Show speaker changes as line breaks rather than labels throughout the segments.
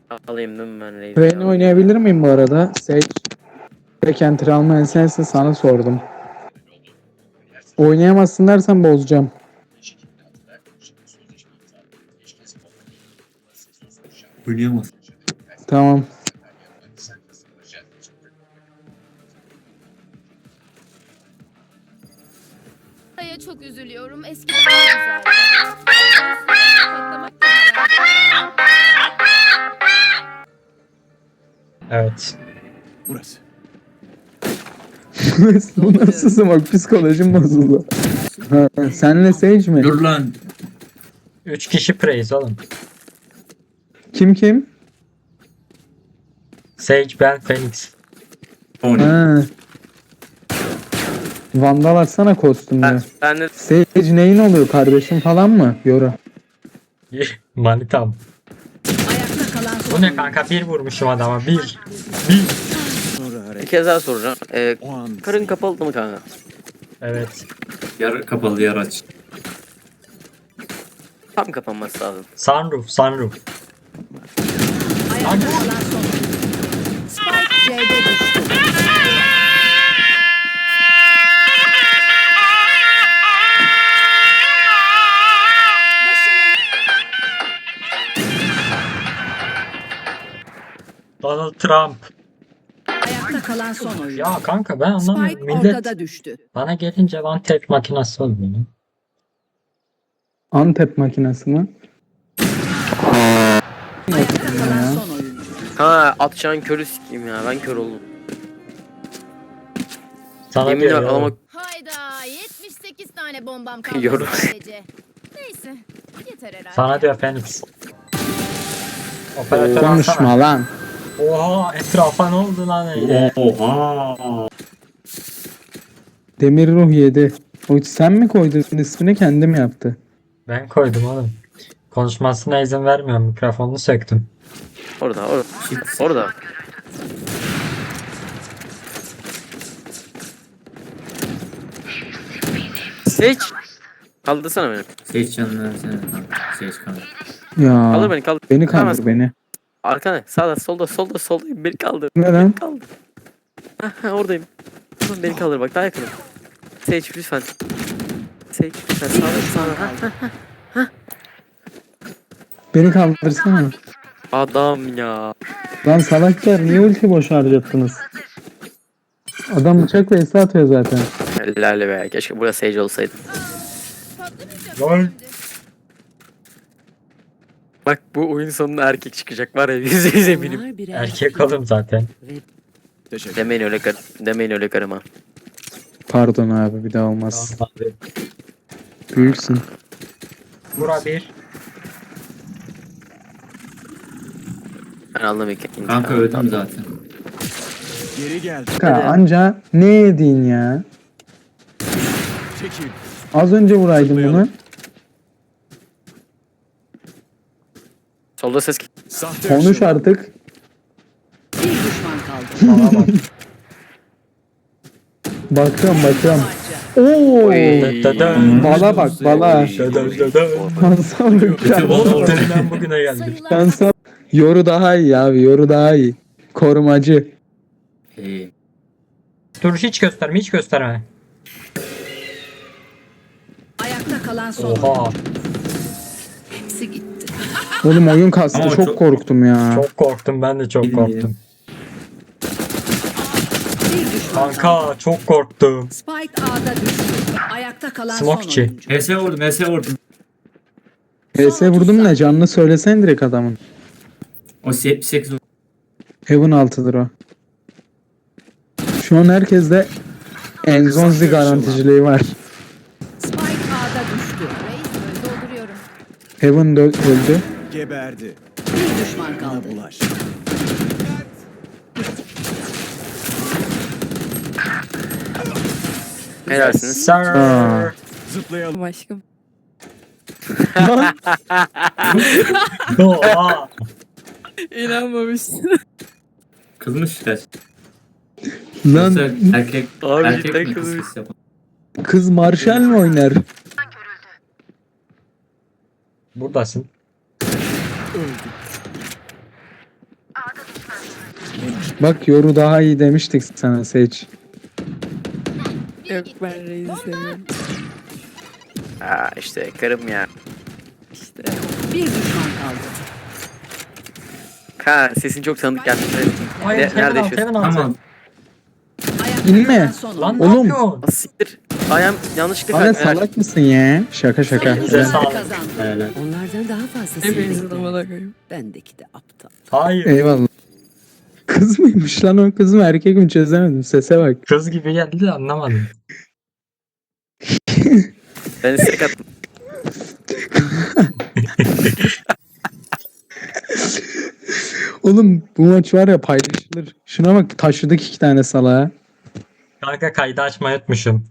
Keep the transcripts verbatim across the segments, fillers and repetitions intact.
Alayım değil mi ben Raze'i?
Reyna oynayabilir miyim bu arada? Sage. Tek enter almayan sensin, sana sordum. Oynayamazsın dersen bozacağım.
Oynayamaz.
Tamam.
Aya çok üzülüyorum. Eskiden daha güzeldi. Patlamak da güzeldi.
Evet.
Burası.
Bu nasıl smoke? Psikolojim bozuldu. Ha, senle Sage mi?
Dur lan.
Üç kişi praise oğlum.
Kim kim?
Sage, ben, Phoenix.
Tony.
Ha. Vandal atsana kostümünü.
Ben, ben de
Sage neyin oluyor, kardeşim falan mı? Yoru.
Manitam.
Ayakta kalan son
Bu ne
oyuncu.
kanka? Bir vurmuşum adama. Bir. Bir.
Sonra
bir
hareket.
kez daha soracağım. Ee,
O an.
karın kapalı mı kanka?
Evet.
Yar kapalı yar aç.
Tam kapanması lazım.
Sunroof, sunroof.
Ayakta kalan son oyuncu. Spike C'de düştü.
Donald Trump.
Ayakta kalan son oyuncu.
Ya kanka ben anlamıyorum.
Spike
Millet
ortada düştü.
bana gelince one tap makinası oluyor.
Antep makinesi mi?
Ayakta kalan son oyuncu.
Ha atacağın körü sikeyim ya. Ben kör oldum.
Sana
Yemin
diyor
ederim
ya.
adama
Hayda yetmiş sekiz tane bombam kaldı
Yorum.
sadece. Neyse yeter herhalde.
Sana diyor Phoenix. Operatör alsana.
Konuşma lan.
Oha etrafa ne oldu lan öyle?
Oha.
Demir ruh yedi. O sen mi koydun ismini, kendim yaptı.
Ben koydum oğlum. Konuşmasına izin vermiyorum. Mikrofonunu söktüm.
orada orada. Orada. Sage. Kaldırsana beni.
Seç canını versene kanka. Seç kanka.
Ya.
Kaldır beni kaldır.
Beni
Kaldıramaz.
kaldır beni.
Arkana sağda solda solda solda beni kaldır.
Ne lan?
Beni kaldır. Ha, ha, oradayım. Oğlum beni kaldır bak daha yakınım. Sage lütfen. Sage lütfen sağda sağda. Ha, ha.
Beni kaldırsana.
Adam ya.
Lan salaklar, niye ulti boş harcattınız? Adam bıçak ve esi atıyor zaten.
Helal be. Keşke burası Sage olsaydı.
Patlamayacak
Lol.
şimdi.
Bak bu oyun sonunda erkek çıkacak var ya yüzde yüz eminim.
Onlar birer
Erkek oğlum zaten.
Teşekkür.
Demeyin öyle kar demeyin öyle karıma.
Pardon abi, bir daha olmaz.
Tamam abi.
Büyüksün.
Bura bir.
Ben anlamayayım. ikinci
Kanka
falan.
öldüm zaten.
Geri gel.
Ha, anca ne yedin ya?
Çekil.
Az önce vuraydım bunu.
Solda ses
Sahte
Konuş
ışın.
artık.
bir düşman kaldı.
Bana bak.
Bakıyorum bakıyorum.
Parça.
Oo.
Oy.
Dödön.
Bala bak bala.
Dödön dödön.
Kansal
Oğlum dünden bugüne geldik.
Sayılar
Kansal. Yoru daha iyi abi, yoru daha iyi. Korumacı.
Ee,
Dur hiç gösterme hiç gösterme.
Ayakta kalan son oyuncu.
Oha.
Hepsi gitti.
Oğlum oyun kastı,
Ama
çok,
çok-
korktum ya.
Çok korktum ben de çok
Bilmiyorum.
korktum.
Bir düşman kaldı.
Kanka çok korktum.
Spike A'da düştü. Ayakta kalan
Smokçi.
son oyuncu.
H S vurdum H S vurdum.
P S vurdum ne, canını söylesen direkt adamın.
O yetmiş sekiz vurdum.
Heaven altıdır o. Şu an herkeste Enzonzi garanticiliği var.
Spike A'da düştü.
Reis dolduruyorum.
Heaven de öldü.
Geberdi.
Bir düşman kaldı.
Bana bulaş.
Helalsiniz.
Sir.
Aa.
Zıplayalım.
Aşkım.
Oha.
İnanmamışsın.
Kızmış kaç.
Lan
Yoksa erkek
Abi
erkek
cidden
mi
kızmış.
kız yapan?
kız Marshall mı oynar?
Buradasın.
Bak yoru daha iyi demiştik sana Seç.
Yok ben Reis'i seviyorum.
Aa işte karım ya.
İşte.
Bir düşman kaldı.
Ha sesin çok tanıdık geldi.
Hayır,
Ne-
Heaven
nerede
alt,
yaşıyorsun?
Heaven alt.
Tamam.
Ayakta
İnme.
kalan son
Lan
oyuncu.
ne
Oğlum.
yapıyorsun?
Ah, siktir. Ayağım yanlışlıkla
Bana
kaydı.
salak mısın ya? Şaka şaka.
Savunucular
Elinize sağlık.
kazandı.
Helal.
Onlardan daha fazla
Hepinizin
sevdikler.
amına koyayım.
Bendeki de aptal.
Hayır.
Eyvallah. Kız mıymış lan o kız mı erkek mi çözemedim. Sese bak.
Kız gibi geldi de anlamadım.
Ben istek attım.
Oğlum bu maç var ya paylaşılır. Şuna bak taşıdık iki tane salağa.
Kanka kaydı açmayı unutmuşum.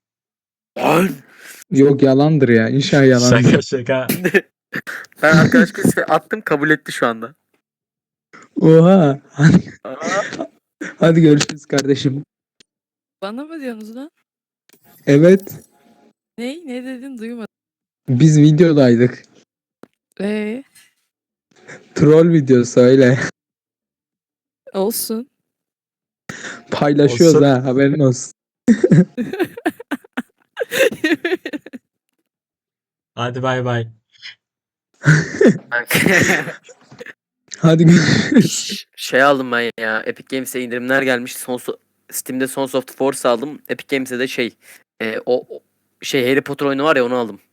Yok yalandır ya. İnşallah yalandır.
Şaka şaka.
Ben arkadaş kız attım kabul etti şu anda.
Oha. Hadi,
Aa,
hadi görüşürüz kardeşim.
Bana mı diyorsunuz lan?
Evet.
Ne? Ne dedin duymadım.
Biz videodaydık.
Eee
Troll videosu öyle.
olsun.
Paylaşıyoruz
Olsun.
ha haberin olsun.
Hadi bay bay.
Hadi görüşürüz.
şey aldım ben ya. Epic Games'e indirimler gelmiş. Son Steam'de Sons of the Force aldım. Epic Games'e de şey e, o, o şey Harry Potter oyunu var ya onu aldım.